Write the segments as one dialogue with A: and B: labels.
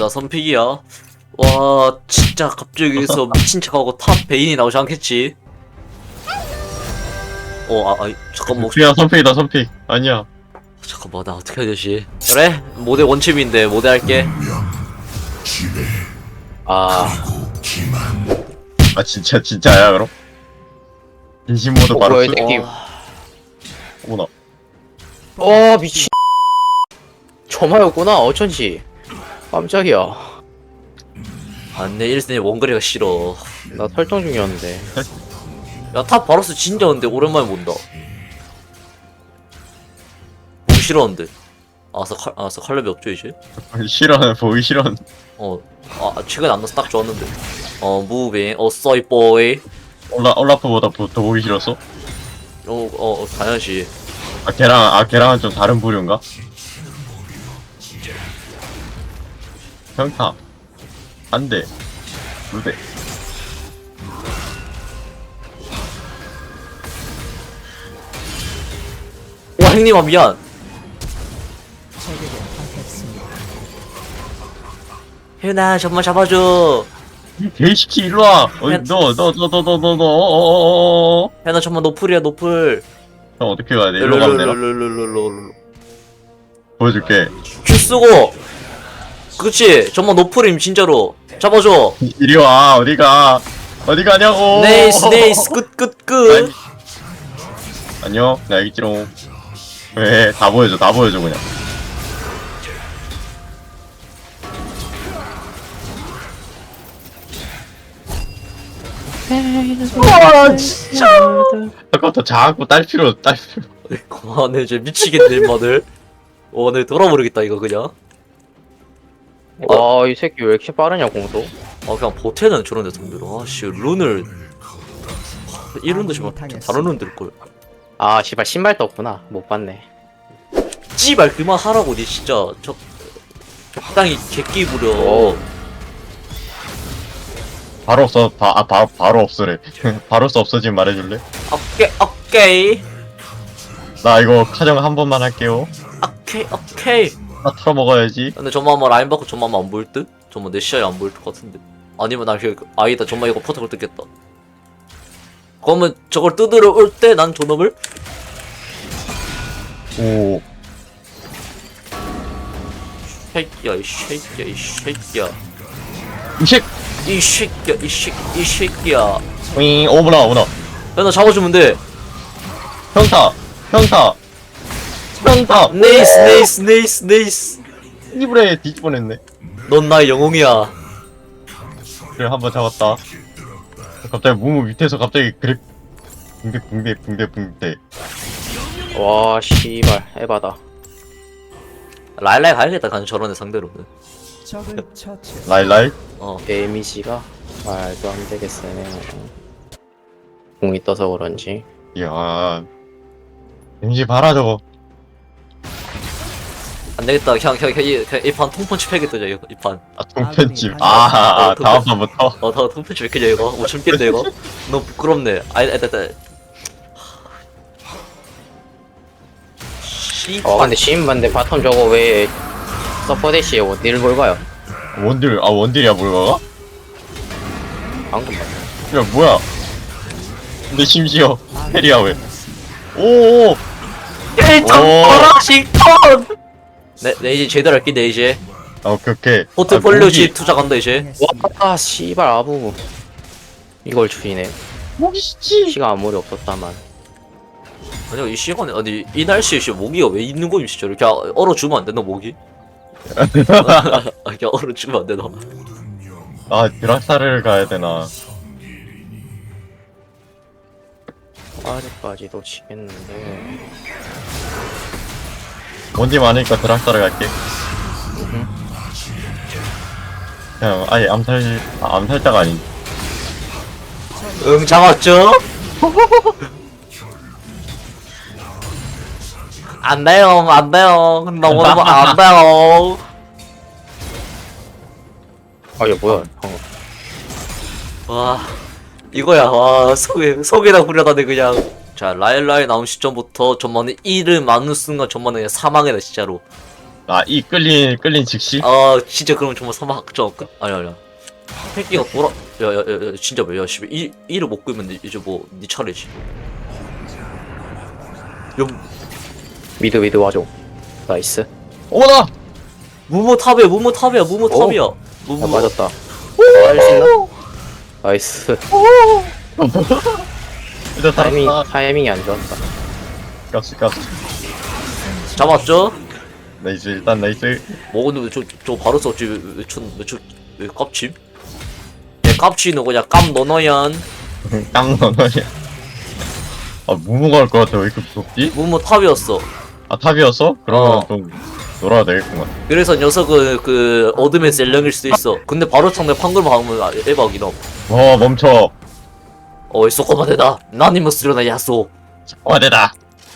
A: 나 선픽이야. 와 진짜 갑자기 여기서 미친 척하고 탑 베인이 나오지 않겠지? 잠깐만
B: 그냥 선픽이다 선픽. 아니야.
A: 잠깐만 나 어떻게 해야 되지? 그래 모델 원침인데 모델 할게.
B: 아 진짜야 그럼? 진심 모드 바로
C: 뭐야, 이
B: 쓰.
C: 새끼.
B: 어머나.
C: 미친. 저마였구나, 어쩐지. 깜짝이야.
A: 안내 1승에 원거리가 싫어.
C: 나 설정 중이었는데.
A: 야 탑 바로스 진짜 근데 오랜만에 본다. 보기 싫었는데. 알았어 칼렙이 없죠 이제?
B: 싫어하는 보기 싫어하는.
A: 최근에 안 나서 딱 좋았는데. 무빙 써이 보이.
B: 올라프보다 더 보기 싫었어?
A: 당연시.
B: 걔랑은 좀 다른 부류인가? 평타 한 대, 두 대.
A: 와 형님아 미안. 혜윤아 정말 잡아줘.
B: 개시키 일로 와. 너.
A: 혜윤아 정말 노플이야 노플.
B: 형 어떻게 가야 돼? 일로 가면 되나?
A: 룰룰룰룰룰룰룰.
B: 보여줄게.
A: 큐 쓰고. 그렇지 정말 노플임 진짜로. 잡아줘.
B: 이리 와. 어디 가냐고.
A: 네이스 끝.
B: 안녕. 나 여기 있지롱. 왜? 다 보여줘 그냥. 와 진짜. 아까부터 자꾸 딸 필요.
A: 그만해 이제 미치겠네 인마들. 내 돌아버리겠다 이거 그냥.
C: 이 새끼 왜 이렇게 빠르냐, 공도?
A: 그냥 보태는 저런 데 상대로. 아씨 룬을 이 룬도 지금 다른 룬 들걸.
C: 씨발, 신발도 없구나. 못 봤네.
A: 씨발 그만 하라고 니 진짜 적당히 개끼 부려.
B: 바로 없어. 바로 없으래. 바로 없어지면 말해줄래?
A: 오케이
B: 나 이거 카정 한 번만 할게요.
A: 오케이.
B: 나 털어먹어야지.
A: 근데 저만 라인 받고 저만 안 보일 듯? 저만 내 시야에 안 보일 것 같은데. 아니면 나 아니다 저만 이거 포탑을 뜯겠다. 그러면 저걸 뜯으러 올 때 난 존업을?
B: 오.
A: 쉐이야 이 새끼야 이 새끼야.
B: 오므나.
A: 야 나 잡아주면 돼.
B: 평타.
A: 네이스.
B: 이불에 뒤집어냈네.
A: 넌 나의 영웅이야.
B: 그래 한 번 잡았다. 갑자기 무무 밑에서 갑자기 그래 붕대.
C: 와, 씨발, 에바다.
A: 라일라이 가야겠다 간 저런 애 상대로는.
B: 라이.
C: 데미지가 말도 안 되겠으네. 공이 떠서 그런지.
B: 이야. 왠지 봐라 저거.
A: 안 되겠다. 그냥 이 판 통펀치 패겠다 이 판.
B: 통편집.
A: 통편.
B: 다음 판부터.
A: 다 통편치 왜 이렇게 이거? 못 참겠네 이거. 너무 부끄럽네.
C: 근데 시인반데 바텀 저거 왜 서퍼 대시에 원딜을 볼까요?
B: 원딜이야 뭘가?
C: 방금 봤네.
B: 야 뭐야? 근데 심지어 페리야 왜? 오.
A: 워싱턴. 네 이제 제대로 할게 내 이제.
B: 오케이.
A: 포트폴리오지 투자 간다 이제.
C: 와, 씨발, 아부. 이걸 줄이네.
B: 모기시지.
C: 시간 아무리 없었다만.
A: 아니야 이 시간에 이 날씨에 모기가 왜 있는 거임 진짜. 이렇게 얼어주면 안 되나 모기? 그냥 얼어주면 안 되나?
B: 드라사를 가야 되나?
C: 아직까지도 치겠는데.
B: 원딜 많으니까 드라사를 갈게. 그냥 아예 암살자가 아닌.
A: 응 잡았죠? 안 돼요 너무 안 돼요.
C: 얘 뭐야?
A: 와 이거야. 와 속에다 후려다네 그냥. 자 라일라이 나온 시점부터 전만에 1을 맞는 순간 전만에 그냥 사망이다 진짜로.
B: 아, 이 끌린 즉시?
A: 아 진짜 그럼 정말 사막정 끝? 아니야 헬기가 돌아 야야야 진짜 왜야 씨발 이를 못 끄면 이제 뭐 니 차례지 야
C: 미드 와줘. 나이스.
B: 어머나!
A: 무모 탑이야 무모 탑이야 무모 탑이야
C: 아,
A: 무모
C: 맞았다. 할 수 있나? 나이스.
B: 일단 다
C: 타이밍이 안 좋았다.
B: 값이
A: 잡았죠?
B: 나이스, 일단 나이스.
A: 뭐 근데 저 바로 썼지 왜 깝침? 내 깝치는 그냥 깜 너너얀
B: 깡 넣어야. 아, 무모가 할 것 같아. 왜 이렇게 무섭지?
A: 무모 탑이었어
B: 아, 탑이었어? 그러면
A: 어.
B: 좀 놀아야 되겠구만.
A: 그래서 녀석은 그 어둠의 셀령일 수도 있어 근데 바로 상대 판글 막으면 에바기너
B: 멈춰.
A: 어이 쏘꼬마대다 나니무스려나 야쏘
B: 와대다.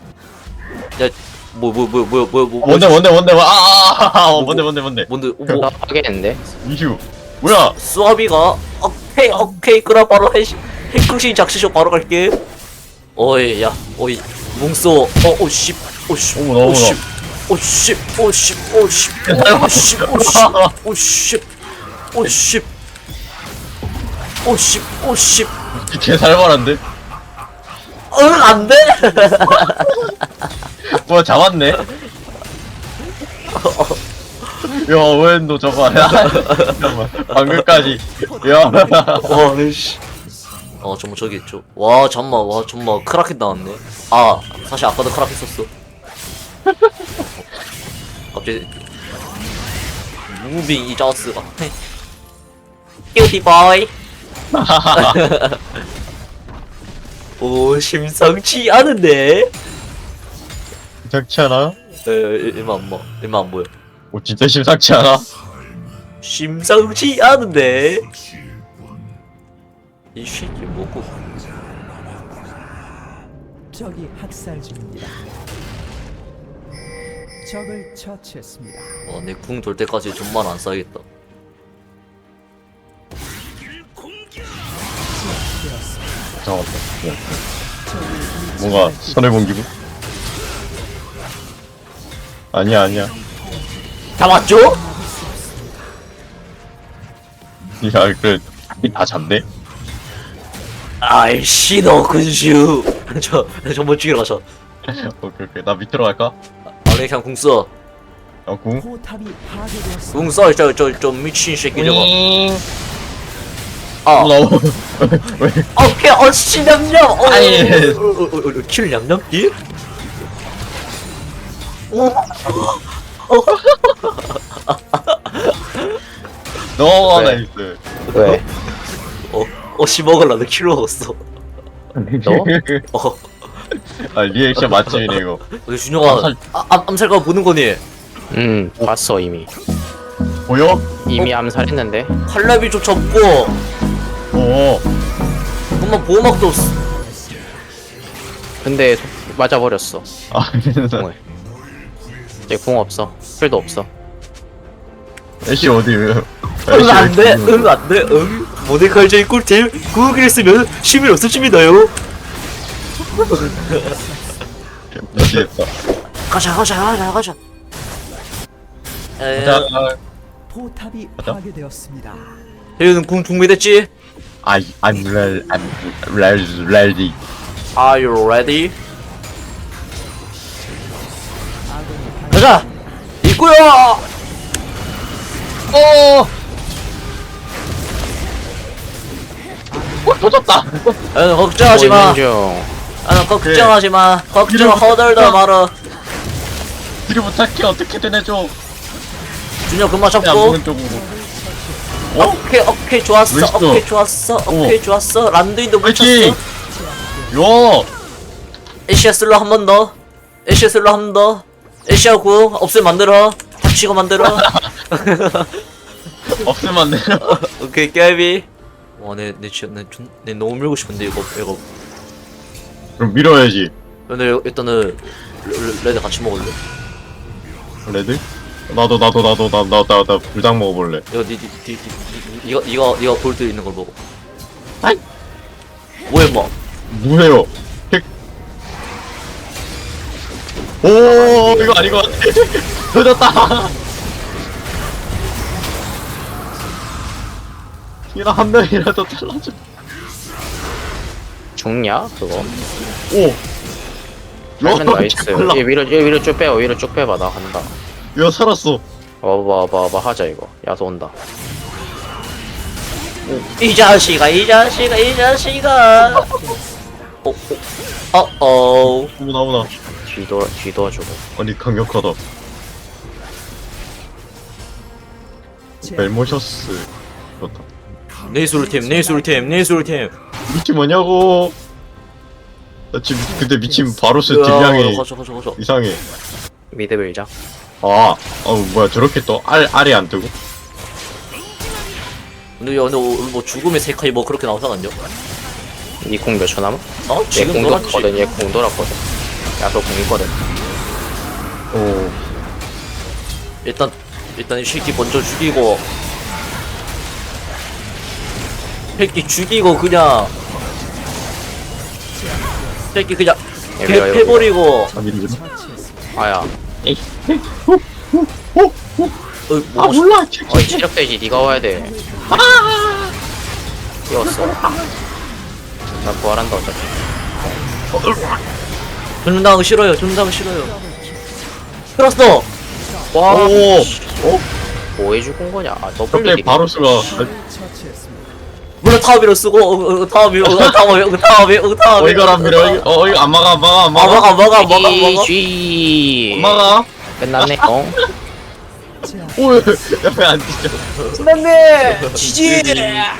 A: 뭔데
B: 뭔데? 뭔데?
A: 뭐
C: 하겠는데?
B: 이슈. 뭐야?
A: 수아비가 오케이 그럼 바로 핵궁신 작시쇼 바로 갈게 어이 야 어이 뭉쏘 오씨
B: 어머나, 개 살벌한데?
A: 응 안돼
B: 뭐야, 잡았네? 야, 웬너 저거 잠깐만. 방금까지. 야.
A: 와씨 정말 저기 있죠 와 잠만 크라켓 나왔네 아 사실 아까도 크라켓 썼어 갑자기 무빙 이 자스가 큐티 보이 오 심상치 않은데
B: 심상치 않아?
A: 일만 안 보여
B: 오, 진짜 심상치 않아?
A: 심상치 않은데 이 새끼 뭐고
D: 적이 학살 중입니다. 적을 처치했습니다.
A: 내 궁 돌 때까지 좀만 안 싸야겠다
B: 잠깐만. 뭔가 손해본 기분? 아니야.
A: 잡았죠?
B: 야, 그래. 다 잡네?
A: 아이씨 너 근슈 저 멋지게 가자
B: 오케이. 나 밑으로 갈까?
A: 아니 그냥 궁써
B: 궁?
D: 포탑이 파괴되었습니다.
A: 궁써 저 미친 새끼 저거
B: 나 왜?
A: 오케이 씨 냠냠
B: 아니.
A: 킬 냠냠기?
B: 너무
C: 왜?
B: 나이스.
C: 왜?
A: 씨 먹을라 너 킬 먹었어 어
B: 아, 리액션 맛집이네, 이거.
A: 근데 준영아 암살가 보는 거니?
C: 봤어 이미.
B: 보여?
C: 이미 암살했는데.
A: 칼날비조차 없고
B: 어.
A: 엄마 보호막도 없어
C: 근데 맞아버렸어.
B: 아,
C: 공을. 이제 공 없어. 풀도 없어.
B: 애쉬 어디, 왜?
A: 응 안돼 모데카이저의 꿀템 구우기를 쓰면 힘이 없어집니다요
B: 미치겠다.
A: 가자
B: 자,
D: 포탑이
B: 맞다?
D: 파괴되었습니다.
A: 혜윤은 궁 준비됐지?
B: I'm ready.
A: Are you ready?
D: 아군이
A: 가자! 있구요!
B: 터졌다.
A: 걱정하지 마.
C: 보이는 중.
A: 걱정하지 마. 걱정 허덜덜 말어.
B: 뒤를 부탁해. 어떻게든 해줘.
A: 준혁 금방
B: 안
A: 잡고.
B: 보는 쪽으로.
A: 오케이 좋았어.
B: 멋있어.
A: 오케이 좋았어. 란두인도 못
B: 화이팅!
A: 쳤어.
B: 요!
A: 에시아슬로 한 번 더. 에시아슬로 한 번 더. 에시아 구 없애 만들어. 닥치고 만들어.
B: 없으면 안 돼요.
A: 오케이 깨비. 와내 진짜 내 너무 밀고 싶은데 이거.
B: 그럼 밀어야지.
A: 근데 일단은 레드 같이 먹을래.
B: 레드? 나도 불닭 먹어볼래.
A: 이거 볼드 있는 걸 먹어.
B: 아이.
A: 뭐해 뭐?
B: 뭐해요? 핵. 오 이거 아닌 것 같아. 늦었다. 이나 한 명이라도 잘라줘.
C: 죽냐 그거?
B: 오.
C: 하면 나이스.
B: 빨라.
C: 얘 위로 쭉 빼요. 위로 쭉 빼봐. 나 간다.
B: 야 살았어.
C: 와봐 하자 이거. 야수 온다.
A: 이 자식아 이 자식아 이 자식아. 어어.
B: 나오나.
C: 뒤도와주고.
B: 아니 강력하다. 멜모셔스. 그렇다.
A: 네이술팀 네이술팀 네이술팀.
B: 미친 뭐냐고. 나 지금 근데 미친 바로스 딜량이
A: 가자
C: 아,
B: 이상해.
C: 미드 밀자.
B: 뭐야 저렇게 또 알이 안 뜨고?
A: 근데 뭐 죽음의 세카이 뭐 그렇게 나오지 않았냐?
C: 니공 몇 초 남아?
A: 어?
C: 얘
A: 지금
C: 공
A: 돌았지.
C: 돌았거든. 얘 공 돌았거든. 야수 공 있거든.
B: 오.
A: 일단 이 새끼 먼저 죽이고 새끼 죽이고 그냥 새끼 그냥
C: 밀어, 이거
A: 패버리고
C: 아야.
A: 뭐
B: 몰라.
C: 어이 체력돼지 니가 와야 돼. 뛰었어. 나 부활한다 어차피.
A: 존나하기 싫어요 존나하기 싫어요 끌었어.
C: 와.
B: 오.
C: 뭐해 죽은 거냐? 아 더블
B: 갑자기
C: 딜이.
B: 바로스가
D: 처치했습니다.
A: 물론 타워비로 쓰고 타워비로 타워비
B: 이거란 밀어. 이거 안 막아.
A: 먹어
C: G.
B: 안 막아.
C: 끝났네.
B: 오. 왜안 뛰죠?
A: 끝났네 지지